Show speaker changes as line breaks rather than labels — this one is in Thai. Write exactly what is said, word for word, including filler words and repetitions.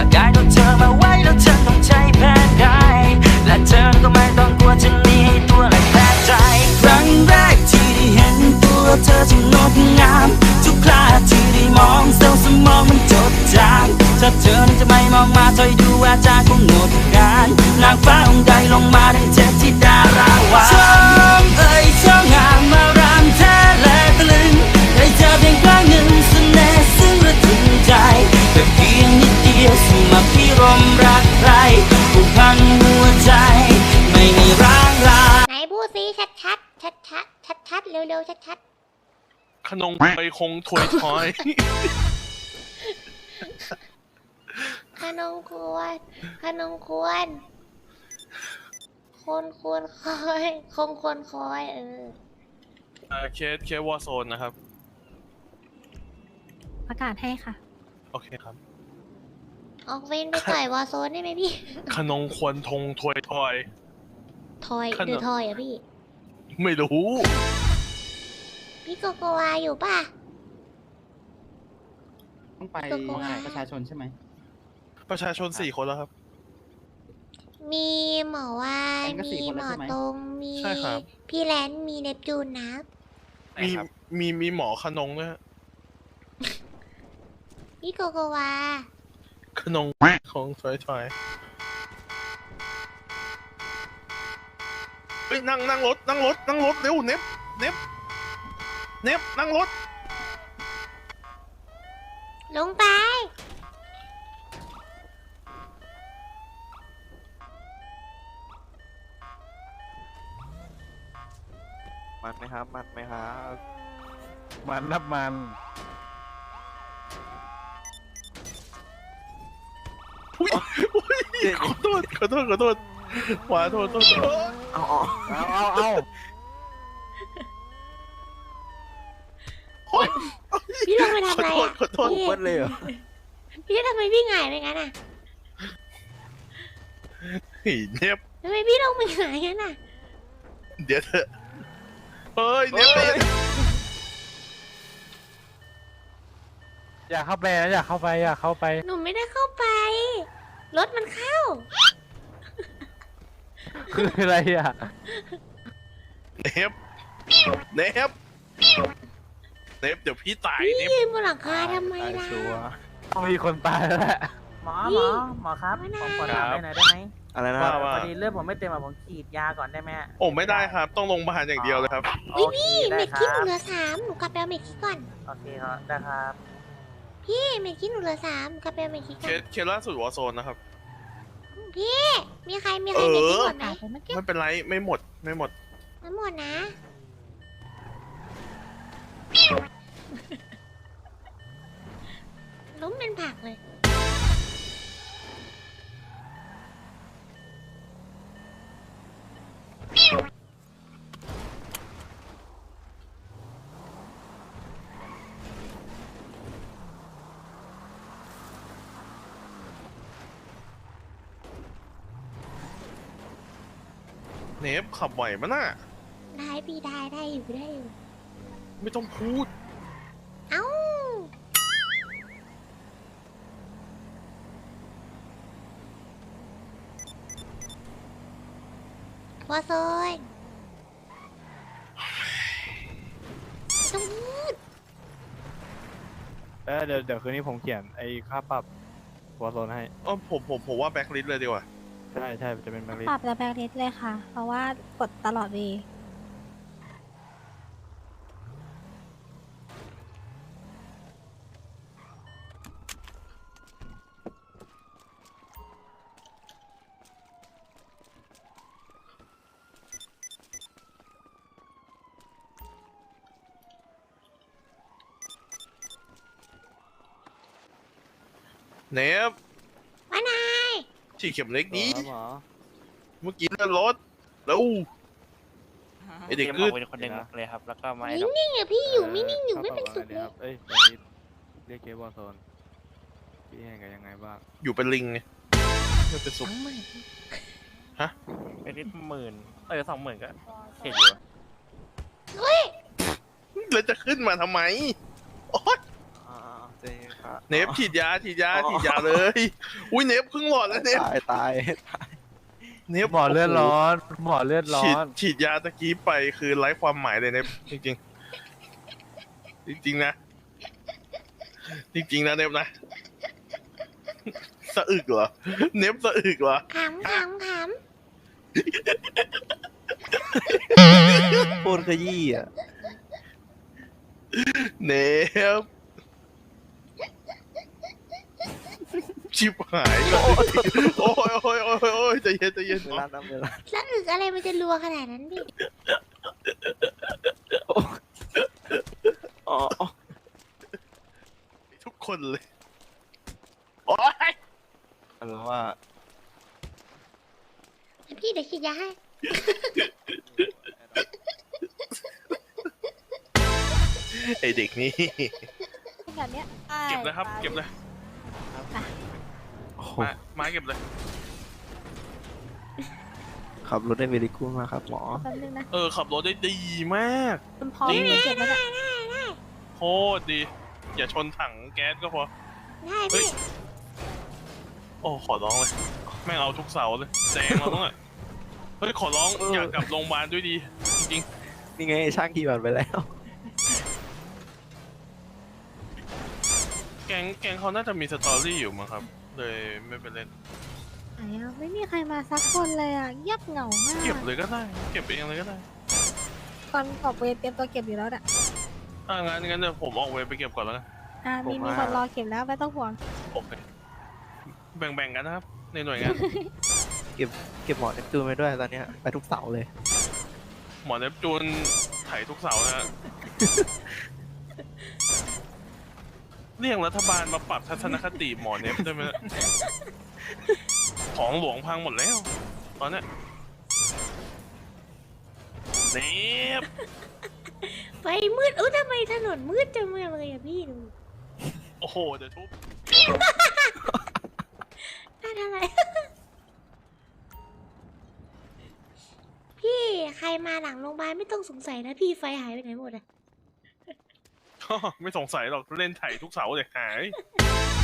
ากได้ตัวเธอมาไว้แล้วเธอต้องใจแพ้ได้และเธอก็ไม่ต้องกลัวจะหนีให้ตัวและแพ้ใจครั้งแรกที่ได้เห็นตัวเธอจึงงดงามทุกคราที่ได้มองเซลล์สมองมันจดจำถ้าเธอนั้นจะไม่มองมาถอยดูอาจารย์คงหมดการนางฟ้าองค์ใดลงมาดังเทพธิดาราวาช่องเอ่ยช่องงามมารามแท้และตะลึงได้เจอเพียงครั้งหนึ่งเสน่ห์ซึ่งระทึงใจแต่เพียงนิดเดียวสมัครพิรมรักใครผูกพันหัวใจไม่มีร้างลาไหนพูดสิชัดชัดชัดชัดชัดชัดเร็วๆชัดชัด
ขนมไปคงถวยถอย
ขนมควรขนมควรคนควรคอยคงควรคอยเออ
เอ่อเคสเคสวอร์โซนนะครับ
ประกาศให้ค่ะ
โอเคครับ
ออกเวนไปต่อยวอร์โซนได้ไหมพี่
ขนมควรทงถวยถอย
ทอยหรือทอยอะพี่
ไม่รู้
พี่โกโกวาอยู่ป่ะ
ต้องไปประชาชนใช่ไหม
ประชาชนสี่คนแล้วครับ
มีหมอวายมีหมอตรงมีพี่แลนมีเนปจูนนะ
มีมีมีหมอขนงด้วย
พี่โกโกวา
ขนงของถอยถอยเฮ้ยนั่งนั่งรถนั่งรถนั่งรถเร็วเน็บเน็บเน็บนั่งรถ
ลงไป
มันไหมครับมันไหมครับมันนับมัน
อุ้ยอุ้ยขอโทษขอโทษขอโทษขวาโทษโทษ
เอาเอาเอาเอา
พี่ลงไปทำอะไรอ่ะ
ขอโทษ
เปิดเลยเหรอ
พี่ทำไมพี่หงายไปงั้นอ่ะ
เฮ้ยเน็บ
ทำไมพี่ลงไปหงายงั้นอ่ะ
เดี๋ยวเถอะเฮ้ยเน็บ
อยากเข้าไปนะอยากเข้าไปอยากเข้าไป
หนูไม่ได้เข้าไปรถมันเข้า
คืออะไรอ่ะ
เน็บเน็บเน็บเดี๋ยวพี่ตาย
เน็บพี่บนหลังคาทำไมล่ะ
ต้องมีคนตายแล้วแหละ
หมอหมอหมอครับผมขอถามได้หน่อยได้ไหม
อะไรนะ
พอดีเลือดผมไม่เต็มอ่ะผมฉีดยาก่อนได้ไหม
โอ้ไม่ได้ครับต้องลงพยาบาลอย่างเดียวเลยครับ
พี่พี่เม็ดขี้หนูเหลือสามหนูกลับไปเอาเม็ดขี้ก่อน
โอเคครับได้ครับ
พี่เม็ดขี้หนูเหลือสามกลับไปเอาเม็ดขี้ก่อน
เคสล่าสุดวอร์โซนนะครับ
พี่มีใครมีใครเม็ดขี้หมดไหม
ไม่เป็นไรไม่หมดไม่หมด
ไม่หมดนะล้มเป็นผักเลย
เนฟขับไหวมั้ยน่ะ
ได้พี่ได้ได้อยู่ได้อยู่
ไม่ต้องพูด
เอ้าวอโซนต้องพูด
เออเดี๋ยวเดี๋ยวคืนนี้ผมเขียนไอ้ค่าปรับวอโซนให้
อ๋อผมผมผมว่าแบ็คลิสต์เลยดีกว่า
ใช่ใช่จะเป็นแบ็คลิสต์
ปรับแต่แบ็คลิสต์เลยค่ะเพราะว่ากดตลอดวี
เนฟ
ว่านาย
ฉีดเข็มเล็กนี้เมื่อกี้นั่นรถแล้วไอเด็กกึด
เป็นคนหนึ่งเลยครับแล้วก็มา
นิ่งๆอ่ะพี่อยู่ไม่นิ่งอยู่ไม่เป็นสุขเลย
เอ้ยเรียกเกมวอร์โซนพี่ยังไงยังไงบ้าง
อยู่เป็นลิงไงไม่เป็นสุขฮะ
เป็นนิดหมื่นเออสองหมื่นก็เห็นอยู่
เฮ้ย
แล้วจะขึ้นมาทำไมโอ๊ย
เจ๊ครับ
เนฟฉีดยาฉีดยาฉีดยาเลย อุ้ยเนฟครึ่งหลอดแล้วเนฟ
ตายตาย
เนฟ
หมอเลือดร้อน หมอเลือดร้อ
ฉีด
น
ฉีดยาตะกี้ไปคือไร้ความหมายเลยเนฟจริงๆ จริงๆนะ จริงๆนะเนฟนะสะอึกเหรอเนฟสะอึกเหรอ
ขำขำข
พูดขยี้อ่ะ
เนฟชิบหายก่อนโอ้ยโอ้ยโอ้ยโอ้ยใจเย็นใจเย็น
เวลาน้ำเวลา
ำแล้วอึกอะไรมันจะรัวขนาดนั้นพี่
อ๋อ
ทุกคนเลยโอ้ย
อันว่า
พี่เดี๋ยวฉีดยาให้
ไอเด็กนี่
แบบเนี้ย
เก็บนะครับเก็บเลย
โอ้โห
มามาเก็บเลย
ขับรถได้เวลิกูมากครับหมอ
แป๊บนึงนะ
เออขับรถได้ดีมาก
คุณพร้อม
จริง
เก็บไว้เนี่ย
โคตรดี อย่าชนถังแก๊สก็พอ
ได้
เฮ้ย
พี่
โอ้ขอร้องเลยแม่งเอาทุกเสาเลยแซงเราต้องอ่ะเฮ้ยขอร้องอยากกลับโรงพยาบาลด้วยดีจริง
นี่ไงช่างขี่บัตรไปแล้ว
ๆแกงแกงเขาน่าจะมีสตอรี่อยู่มั้งครับ เลยไม่ไปเล่น
ไหนอะไม่มีใครมาสักคนเลยอ่ะเงียบเหงามาก
เก็บเลยก็ได้ เก็บเองเลยก็ได้
ก่อนออกเวรเตรียมตัวเก็บอยู่แล้วอ่ะ
อ่างั้นงั้นเดี๋ยวผมออกเวรไปเก็บก่อนแล้วกัน
อ่ามี
ผม
มี
ว่า
คนรอเก็บแล้วไม่ต้องห่วง
โอเคแบ่งๆกันนะครับ ในหน่วยงาน
เก็บเก็บหมอเนปจูนไปด้วยตอนเนี้ยไปทุกเสาเลย
หมอเนปจูนไถทุกเสานะฮะ เรียกรัฐบาลมาปรับทัศนคติหมอเนปได้ไหมเนี่ยของหลวงพังหมดแล้ว ตอนเนี้ยเนป
ไฟมืดอุ้ยทำไมถนนมืดจังเลยอะพี่ดู
โอ้โห เดี๋ยวทุบ
น่าทำอะไร พี่ใครมาหลังโรงพยาบาลไม่ต้องสงสัยนะพี่ไฟหายไปไหนหมดอะ
ไม่สงสัยหรอกเล่นไถทุกเสาเลยหาย